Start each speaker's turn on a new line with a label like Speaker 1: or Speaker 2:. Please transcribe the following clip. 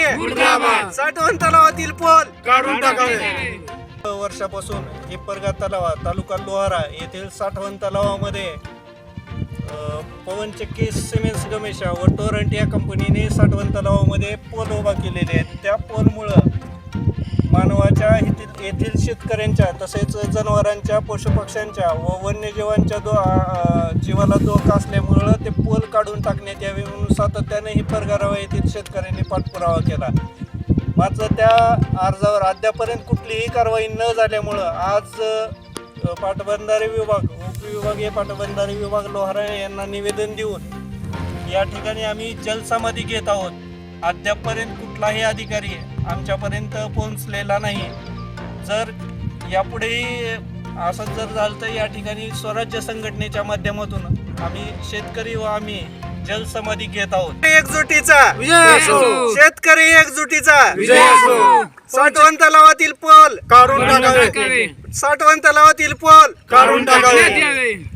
Speaker 1: साठवण तलावातील पोल
Speaker 2: काढून टाकावे.
Speaker 1: वर्षापासून हिप्परगा तलाव तालुका लोहारा येथील साठवण तलावामध्ये पवनचक्की सिमेंट्स गमेशा व टोरंट या कंपनीने साठवण तलावामध्ये पोल उभा केलेले आहेत. त्या पोलमुळं मानवाच्या येथील शेतकऱ्यांच्या तसेच जनावरांच्या पशुपक्ष्यांच्या व वन्यजीवांच्या जीवाला धोका असल्यामुळं ते पोल काढून टाकण्यात यावे म्हणून सातत्याने हिप्परगा येथील शेतकऱ्यांनी पाठपुरावा केला. मात्र त्या अर्जावर अद्यापर्यंत कुठलीही कारवाई न झाल्यामुळं आज पाटबंधारे विभाग उपविभागीय पाटबंधारे विभाग लोहारा यांना निवेदन देऊन या ठिकाणी आम्ही जलसमाधी घेत आहोत. अद्यापर्यंत कुठलाही अधिकारी आमच्यापर्यंत पोहोचलेला नाही. जर यापुढेही असं जर झालं तर या ठिकाणी स्वराज्य संघटनेच्या माध्यमातून आम्ही शेतकरी व आम्ही जलसमाधी घेत आहोत. एकजुटीचा शेतकरी एकजुटीचा साठवण तलावातील पोल
Speaker 2: काढून टाकावे.
Speaker 1: साठवण तलावातील पोल
Speaker 2: काढून टाकावे.